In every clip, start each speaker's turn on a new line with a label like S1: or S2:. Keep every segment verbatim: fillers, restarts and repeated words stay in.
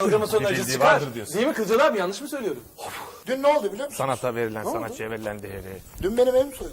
S1: Programın
S2: Bir
S1: acısı
S2: bildiği
S1: çıkar.
S2: vardır diyorsun.
S1: Değil mi Kılcal abi, yanlış mı söylüyorum?
S3: Dün ne oldu biliyor musun?
S2: Sanata verilen,
S3: oldu?
S2: sanatçıya verilen değeri.
S3: Dün benim evim soyuldu.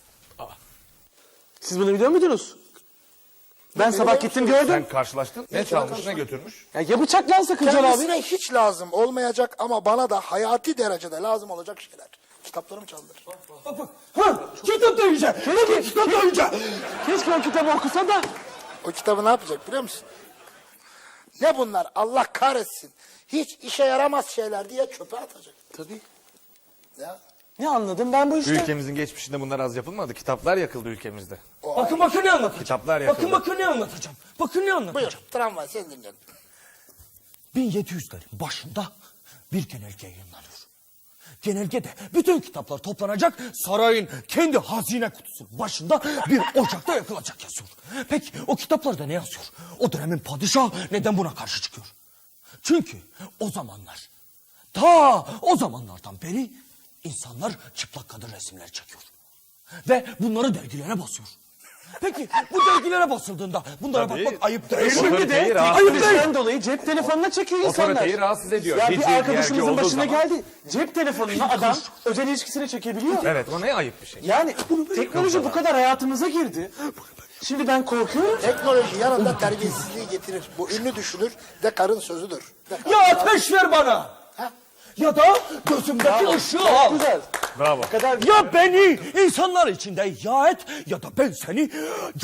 S1: Siz bunu biliyor muydunuz? Ben
S3: Benim
S1: sabah
S3: evim
S1: gittim
S3: soyuldu.
S1: gördüm.
S2: Sen karşılaştın. Ne çalmış, ne götürmüş?
S1: Ya, ya bıçaklansa Kılcal abi.
S3: Kendisine hiç lazım olmayacak ama bana da hayati derecede lazım olacak şeyler. Kitaplarımı çaldılar.
S1: Bak bak. Ha, kitap da yiyecek. Keşke kitap da yiyecek. Keşke o kitabı okusa da.
S3: O kitabı ne yapacak biliyor musun? Ne bunlar Allah kahretsin. Hiç işe yaramaz şeyler diye çöpe atacak.
S1: Tabii.
S3: Ya.
S1: Ne anladım ben bu işte?
S2: Ülkemizin geçmişinde bunlar az yapılmadı. Kitaplar yakıldı ülkemizde.
S4: Bakın bakın ne anlatacağım.
S2: Kitaplar yakıldı.
S4: Bakın bakın ne anlatacağım. Bakın ne anlatacağım.
S3: Buyur tramvay seni dinliyorum.
S4: bin yedi yüzlerin başında bir genelge yayınlanıyor. Genelgede bütün kitaplar toplanacak, sarayın kendi hazine kutusu başında bir ocakta yakılacak yazıyor. Peki o kitaplarda ne yazıyor? O dönemin padişahı neden buna karşı çıkıyor? Çünkü o zamanlar, ta o zamanlardan beri insanlar çıplak kadın resimleri çekiyor. Ve bunları dergilere basıyor. Peki bu dergilere basıldığında bunlara
S2: Tabii.
S4: bakmak ayıp değil mi?
S1: Şimdi de
S2: Otoriteyi rahatsız
S4: Ayıp değil.
S1: teknolojiden dolayı cep telefonuna çekiyor insanlar.
S2: Otoriteyi rahatsız ediyor.
S1: Ya
S2: Bir
S1: bir
S2: dergi
S1: arkadaşımızın
S2: olduğu
S1: başına
S2: zaman-
S1: geldi. Cep telefonuna adam özel ilişkisine çekebiliyor.
S2: Evet, o ne ayıp bir şey.
S1: Yani teknoloji bu kadar hayatımıza girdi. Şimdi ben korkuyorum.
S3: Teknoloji yanında terbiyesizliği getirir. Bu ünlü düşünür de karın sözüdür. De karın-
S4: Ya ateş ver bana.
S3: Ha?
S4: Ya da gözümdeki ışığı al.
S1: Güzel.
S2: Bravo.
S1: kadar
S4: Ya beni insanlar içinde ya et ya da ben seni